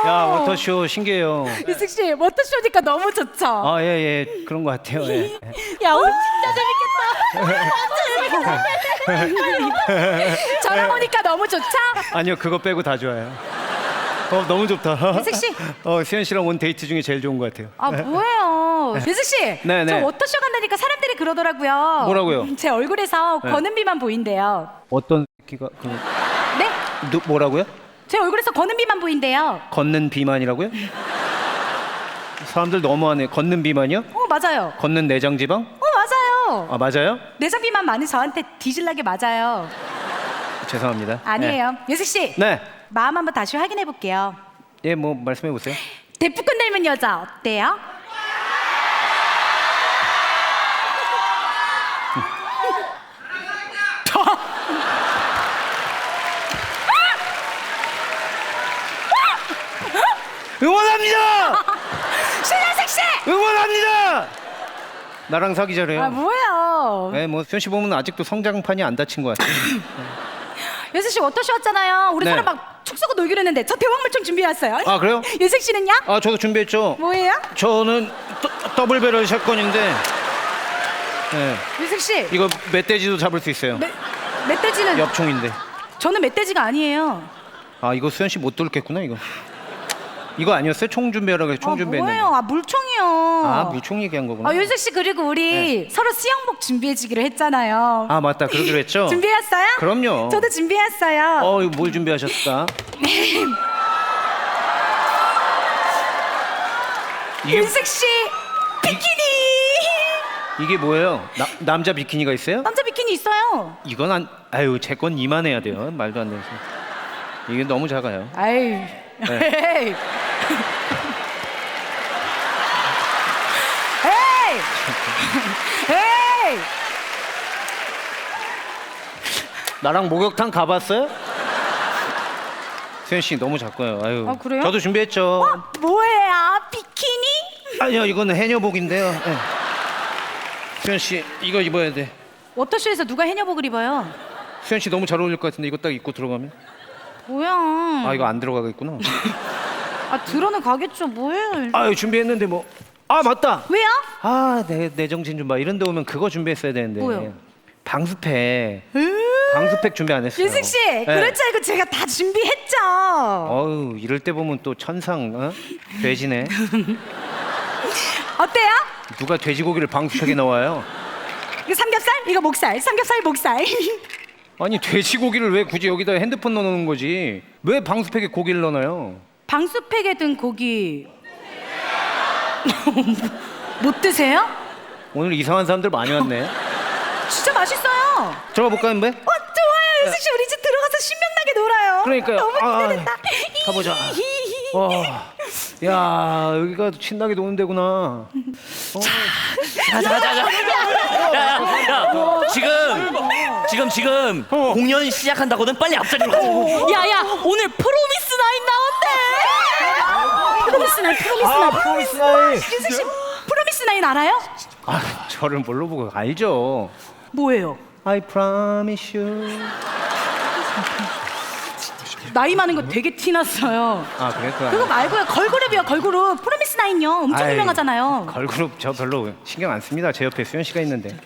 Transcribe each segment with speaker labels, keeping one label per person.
Speaker 1: 야, 워터쇼 신기해요.
Speaker 2: 유승 씨, 워터쇼니까 너무 좋죠?
Speaker 1: 아, 예, 예. 그런 것 같아요. 예.
Speaker 2: 야, 오늘 진짜 재밌겠다. 저랑 오니까 너무 좋죠?
Speaker 1: 아니요, 그거 빼고 다 좋아요. 너무 좋다.
Speaker 2: 유승 씨.
Speaker 1: 수현 씨랑 온 데이트 중에 제일 좋은 것 같아요.
Speaker 2: 아, 뭐예요? 유승 씨,
Speaker 1: 네,
Speaker 2: 저
Speaker 1: 네.
Speaker 2: 워터쇼 간다니까 사람들이 그러더라고요.
Speaker 1: 뭐라고요?
Speaker 2: 제 얼굴에서
Speaker 1: 네.
Speaker 2: 권은비만 보인대요.
Speaker 1: 어떤 새끼가
Speaker 2: 네?
Speaker 1: 뭐라고요?
Speaker 2: 제 얼굴에서 권은비만 보인대요.
Speaker 1: 걷는 비만이라고요? 사람들 너무하네. 걷는 비만이요?
Speaker 2: 맞아요.
Speaker 1: 걷는 내장 지방?
Speaker 2: 맞아요.
Speaker 1: 아, 맞아요?
Speaker 2: 내장비만 많이 저한테 뒤질나게 맞아요.
Speaker 1: 죄송합니다.
Speaker 2: 아니에요. 유승 씨,
Speaker 1: 네.
Speaker 2: 마음 한번 다시 확인해 볼게요.
Speaker 1: 예, 뭐 말씀해 보세요.
Speaker 2: 대포권 닮은 여자 어때요?
Speaker 1: 응원합니다.
Speaker 2: 신현식 씨!
Speaker 1: 응원합니다. 나랑 사귀자래요.
Speaker 2: 아, 뭐예요?
Speaker 1: 네, 뭐 수현 씨 보면 아직도 성장판이 안 닫힌 것 같아요.
Speaker 2: 유승 씨 워터쇼 왔잖아요. 우리
Speaker 1: 네.
Speaker 2: 서로 막 축 쏘고 놀기로 했는데 저 대왕물총 준비해왔어요.
Speaker 1: 아, 그래요?
Speaker 2: 유승 씨는요?
Speaker 1: 아, 저도 준비했죠.
Speaker 2: 뭐예요?
Speaker 1: 저는 더블 배럴 샷건인데, 네,
Speaker 2: 유승 씨,
Speaker 1: 이거 멧돼지도 잡을 수 있어요.
Speaker 2: 멧돼지는
Speaker 1: 엽총인데.
Speaker 2: 저는 멧돼지가 아니에요.
Speaker 1: 아, 이거 수현 씨 못 뚫겠구나 이거. 이거 아니었어요? 총 준비하라고 해서 총 준비했는데.
Speaker 2: 뭐예요? 아, 물총이요.
Speaker 1: 아, 물총 얘기한 거구나.
Speaker 2: 아, 유승 씨 그리고 우리 서로 수영복 준비해주기로 했잖아요.
Speaker 1: 아, 맞다. 그러기로 했죠?
Speaker 2: 준비했어요?
Speaker 1: 그럼요.
Speaker 2: 저도 준비했어요.
Speaker 1: 이거 뭘 준비하셨다? 이게,
Speaker 2: 윤식 씨 비키니.
Speaker 1: 이게 뭐예요? 남자 비키니가 있어요?
Speaker 2: 남자 비키니 있어요.
Speaker 1: 이건 아유, 제 건 이만해야 돼요. 말도 안 돼서. 이게 너무 작아요.
Speaker 2: 아유.
Speaker 1: 네.
Speaker 2: 에이. 에이. 에이.
Speaker 1: 나랑 목욕탕 가봤어요? 수현 씨 너무 작고요. 아유.
Speaker 2: 아, 그래요?
Speaker 1: 저도 준비했죠.
Speaker 2: 뭐예요? 비키니?
Speaker 1: 아니요, 이거는 해녀복인데요. 네. 수현 씨 이거 입어야 돼.
Speaker 2: 워터쇼에서 누가 해녀복을 입어요?
Speaker 1: 수현 씨 너무 잘 어울릴 것 같은데 이거 딱 입고 들어가면?
Speaker 2: 뭐야?
Speaker 1: 아, 이거 안 들어가겠구나.
Speaker 2: 아, 들어는 가겠죠. 뭐예요?
Speaker 1: 아유, 준비했는데 뭐. 아, 맞다.
Speaker 2: 왜요?
Speaker 1: 아, 내 정신 좀 봐. 이런 데 오면 그거 준비했어야 되는데.
Speaker 2: 뭐요?
Speaker 1: 방수팩. 방수팩 준비 안 했어요.
Speaker 2: 윤식 씨,
Speaker 1: 네.
Speaker 2: 그럴 줄 알고 제가 다 준비했죠.
Speaker 1: 어우, 이럴 때 보면 또 천상 돼지네.
Speaker 2: 어때요?
Speaker 1: 누가 돼지고기를 방수팩에 넣어요?
Speaker 2: 이거 삼겹살, 이거 목살, 삼겹살, 목살.
Speaker 1: 아니, 돼지고기를 왜 굳이 여기다 핸드폰 넣어놓는 거지? 왜 방수팩에 고기를 넣어놔요?
Speaker 2: 방수팩에 든 고기 못 드세요?
Speaker 1: 오늘 이상한 사람들 많이 왔네.
Speaker 2: 진짜 맛있어요.
Speaker 1: 들어가 볼까요, 인베?
Speaker 2: 좋아요, 유승 씨, 우리 집 들어가서 신명나게 놀아요.
Speaker 1: 그러니까요.
Speaker 2: 너무 기대된다.
Speaker 1: 가보자. 야, 여기가 신나게 노는 데구나.
Speaker 3: 자자자자. 야, 지금 공연 시작한다거든. 빨리 앞자리로 가자.
Speaker 2: 야야, 오늘 프로미스 나인 나온대. 프로미스 나인, 프로미스 나인.
Speaker 1: 프로미스 나인.
Speaker 2: 유승 씨, 프로미스 나인 알아요?
Speaker 1: 아, 저를 뭘로 보고 알죠?
Speaker 2: 뭐예요?
Speaker 1: I promise you.
Speaker 2: 나이 많은 거 되게 티났어요.
Speaker 1: 아, 그래?
Speaker 2: 그거 말고요, 걸그룹이요, 걸그룹. 프로미스 나인요, 엄청
Speaker 1: 아이,
Speaker 2: 유명하잖아요.
Speaker 1: 걸그룹 저 별로 신경 안 씁니다. 제 옆에 수현 씨가 있는데.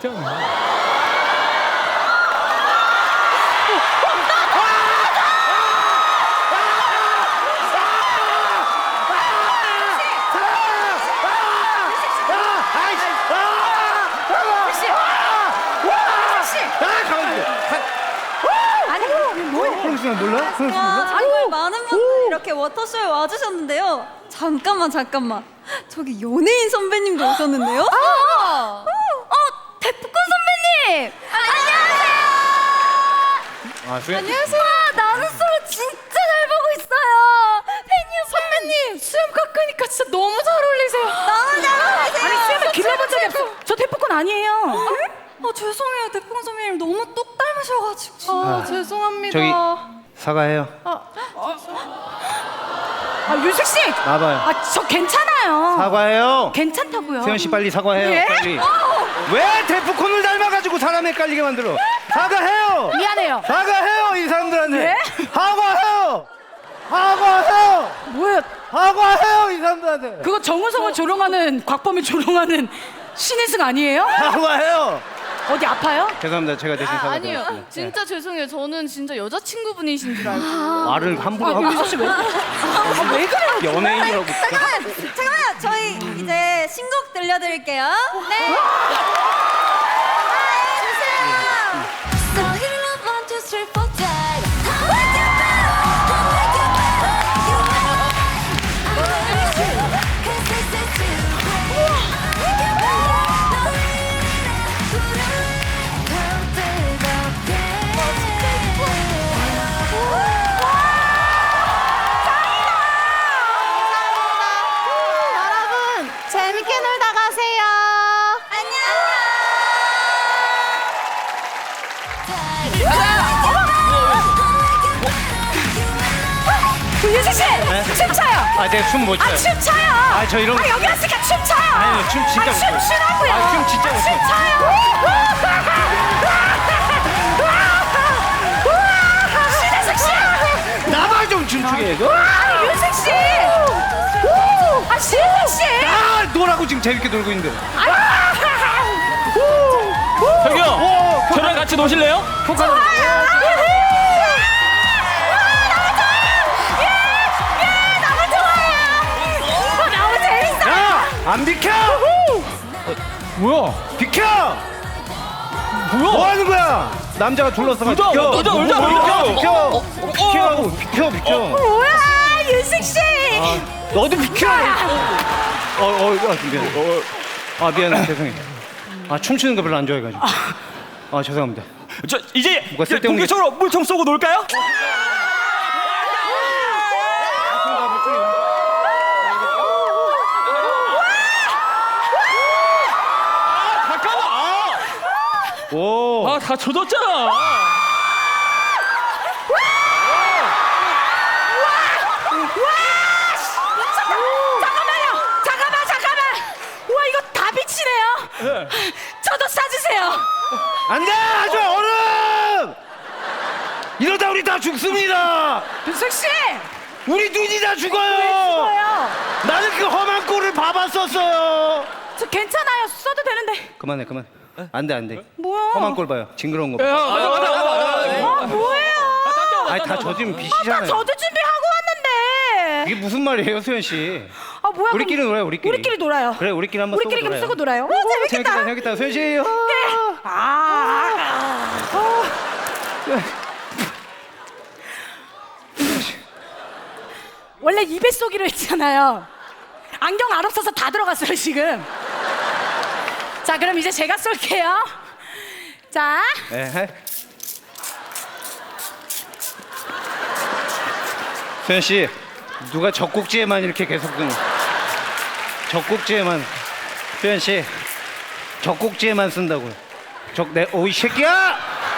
Speaker 2: 아니, 뭐예요?
Speaker 1: 프로미스 나인 몰라? 프로미스 몰라?
Speaker 4: 정말 많은 분들이 이렇게 워터쇼에 와주셨는데요. 잠깐만. 저기 연예인 선배님도 오셨는데요.
Speaker 2: 대포권 선배님!
Speaker 1: 아, 수현.
Speaker 4: 안녕하세요. 나는 솔로 진짜 잘 보고 있어요. 팬이요.
Speaker 2: 선배님, 수염 깎으니까 진짜 너무 잘 어울리세요.
Speaker 4: 너무 잘 어울리세요.
Speaker 2: 아니, 수염을 길러본 적이 없어. 저 대포권 아니에요.
Speaker 4: 죄송해요. 대풍 선배님 너무 똑 닮으셔가지고.
Speaker 2: 죄송합니다.
Speaker 1: 저기 사과해요.
Speaker 2: 윤식 씨!
Speaker 1: 나봐요.
Speaker 2: 저 괜찮아요.
Speaker 1: 사과해요.
Speaker 2: 괜찮다고요.
Speaker 1: 수현 씨 빨리 사과해요.
Speaker 2: 예?
Speaker 1: 빨리. 왜 데프콘을 닮아가지고 사람 헷갈리게 만들어? 사과해요.
Speaker 2: 미안해요.
Speaker 1: 사과해요, 이 사람들한테.
Speaker 2: 예?
Speaker 1: 사과해요.
Speaker 5: 사과해요.
Speaker 2: 뭐야?
Speaker 5: 사과해요 이 사람들한테.
Speaker 2: 그거 정우성을 조롱하는 곽범이 조롱하는 신혜승 아니에요?
Speaker 5: 사과해요.
Speaker 2: 어디 아파요?
Speaker 1: 죄송합니다. 제가 대신
Speaker 6: 아니요.
Speaker 1: 사과드리겠습니다.
Speaker 6: 진짜 죄송해요. 저는 진짜 여자친구분이신 줄 알고.
Speaker 1: 말을 함부로 하고
Speaker 2: 유수 씨 왜? 왜 그래요?
Speaker 1: 연예인이라고.
Speaker 4: 잠깐만요. 저희 이제 신곡 들려드릴게요. 네.
Speaker 7: So hit it up 1, 2, 3, 4,
Speaker 6: 여러분 재밌게 놀다 가세요.
Speaker 2: 유수 씨 춤춰요.
Speaker 1: 아, 제가 춤 못 춰요.
Speaker 2: 춤춰요.
Speaker 1: 아, 저 이런 거.
Speaker 2: 여기 왔으니까 춤춰요.
Speaker 1: 아니요, 춤 진짜 못 춰요.
Speaker 2: 춤추라고요.
Speaker 1: 아, 춤 진짜 못 춰요.
Speaker 2: 신혜승 씨.
Speaker 1: 나만 좀 춤추게 해줘.
Speaker 2: 아니 유승 씨. 아 신혜승 씨.
Speaker 1: 아, 노라고 지금 재밌게 놀고 있는데.
Speaker 3: 저기요. 저랑 같이 노실래요?
Speaker 2: 너무 재밌어.
Speaker 1: 야, 안 비켜! 뭐야? 비켜! 뭐야? 뭐 하는 거야? 남자가 둘러싸가 비켜!
Speaker 3: 울자, 울자,
Speaker 1: 비켜!
Speaker 3: 울자.
Speaker 1: 비켜! 비켜! 비켜!
Speaker 2: 뭐야 유승 씨.
Speaker 1: 너도 비켜! 미안. 미안해. 죄송해요. 춤추는 거 별로 안 좋아해가지고. 죄송합니다.
Speaker 3: 저 이제
Speaker 1: 뭐가 쓸데없는
Speaker 3: 본격적으로 물총 쏘고 놀까요?
Speaker 1: 오!
Speaker 3: 다 젖었잖아.
Speaker 2: 잠깐만. 와 이거 다 비치네요. 저도 사주세요.
Speaker 1: 안 돼! 아주 얼음! 이러다 우리 다 죽습니다!
Speaker 2: 유승 씨.
Speaker 1: 우리 눈이 다 죽어요!
Speaker 2: 뭐예요?
Speaker 1: 나는 그 험한 꼴을 봐봤었어요!
Speaker 2: 저 괜찮아요. 써도 되는데.
Speaker 1: 그만해. 안 돼.
Speaker 2: 뭐야?
Speaker 1: 험한 꼴 봐요. 징그러운 거 봐.
Speaker 2: 아 뭐예요?
Speaker 1: 아니, 다 젖으면 빛이잖아요.
Speaker 2: 저도 준비하고 왔는데.
Speaker 1: 이게 무슨 말이에요, 수현 씨?
Speaker 2: 아 뭐야?
Speaker 1: 우리끼리
Speaker 2: 그럼
Speaker 1: 놀아요, 우리끼리.
Speaker 2: 우리끼리 놀아요.
Speaker 1: 그래, 우리끼리 한번
Speaker 2: 우리끼리 그럼 쓰고 놀아요. 오,
Speaker 1: 재밌겠다, 수현 씨.
Speaker 2: 원래 입에 쏘기로 했잖아요. 안경 안 없어서 다 들어갔어요 지금. 자 그럼 이제 제가 쏠게요. 자
Speaker 1: 에헤. 수현 씨, 누가 젖꼭지에만 이렇게 계속 젖꼭지에만 수현 씨, 젖꼭지에만 쓴다고요. 오이 새끼야!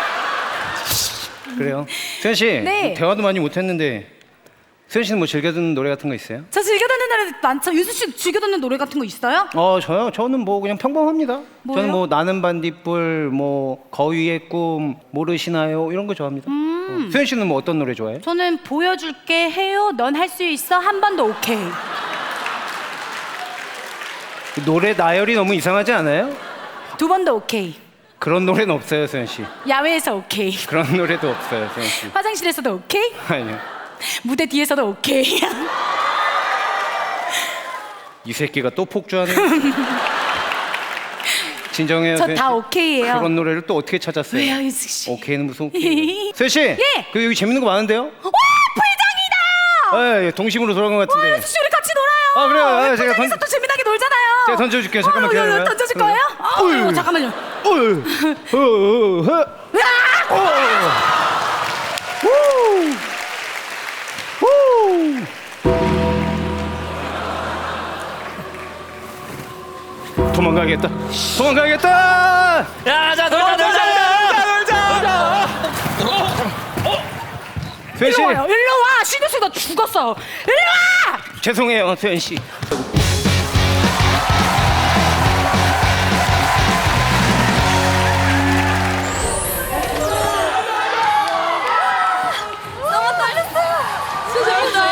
Speaker 1: 그래요. 수현 씨,
Speaker 2: 네.
Speaker 1: 대화도 많이 못했는데 수현 씨는 뭐 즐겨 듣는 노래 같은 거 있어요?
Speaker 2: 저 즐겨 듣는 노래 많죠. 유수 씨 즐겨 듣는 노래 같은 거 있어요?
Speaker 1: 저요? 저는 뭐 그냥 평범합니다.
Speaker 2: 뭐요?
Speaker 1: 저는 뭐 나는 반딧불, 뭐 거위의 꿈, 모르시나요? 이런 거 좋아합니다. 수현 씨는 뭐 어떤 노래 좋아해요?
Speaker 2: 저는 보여줄게 해요. 넌 할 수 있어. 한 번 더 오케이.
Speaker 1: 노래 나열이 너무 이상하지 않아요?
Speaker 2: 두 번 더 오케이.
Speaker 1: 그런 노래는 없어요, 수현 씨.
Speaker 2: 야외에서 오케이.
Speaker 1: 그런 노래도 없어요, 수현 씨.
Speaker 2: 화장실에서도 오케이.
Speaker 1: 아니요.
Speaker 2: 무대 뒤에서도 오케이.
Speaker 1: 이 새끼가 또 폭주하네. 진정해요.
Speaker 2: 저
Speaker 1: 수현
Speaker 2: 다
Speaker 1: 씨.
Speaker 2: 오케이예요.
Speaker 1: 그런 노래를 또 어떻게 찾았어요?
Speaker 2: 왜요, 유숙 씨?
Speaker 1: 오케이는 무슨 오케이? 수현 씨,
Speaker 2: 예.
Speaker 1: 그 여기 재밌는 거 많은데요?
Speaker 2: 오, 불장이다.
Speaker 1: 예, 동심으로 돌아간 것 같은데.
Speaker 2: 유숙 씨 우리 같이 놀아요.
Speaker 1: 아, 그래요. 제가
Speaker 2: 불장에서 또 재미나게 놀잖아요.
Speaker 1: 제가 던져줄게요. 잠깐만 기다려요.
Speaker 2: 던져줄 거예요?
Speaker 1: 어휴.
Speaker 2: 잠깐만요.
Speaker 1: 도망가야겠다.
Speaker 3: 야, 자, 놀자.
Speaker 1: 수현 씨,
Speaker 2: 일로 와요. 일로 와. 신우 씨너 죽었어. 일로 와.
Speaker 1: 죄송해요, 수현 씨.
Speaker 4: 너무 떨렸어요.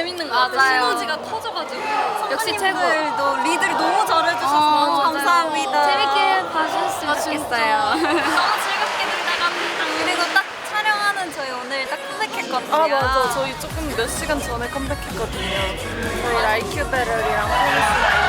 Speaker 4: 재밌는 것 같아요.
Speaker 6: 맞아요.
Speaker 4: 시너지가 터져가지고.
Speaker 6: 역시 최고.
Speaker 4: 선배님들도 리드를 너무 잘해주셔서 너무
Speaker 6: 맞아요.
Speaker 4: 감사합니다.
Speaker 6: 재밌게 봐주셨으면 좋겠어요.
Speaker 4: 너무 즐겁게 놀다 갑니다. 그리고 딱 촬영하는 저희 오늘 딱 컴백했거든요.
Speaker 8: 아 맞아 저희 조금 몇 시간 전에 컴백했거든요. 저희 라이큐 베럴이랑 프로미스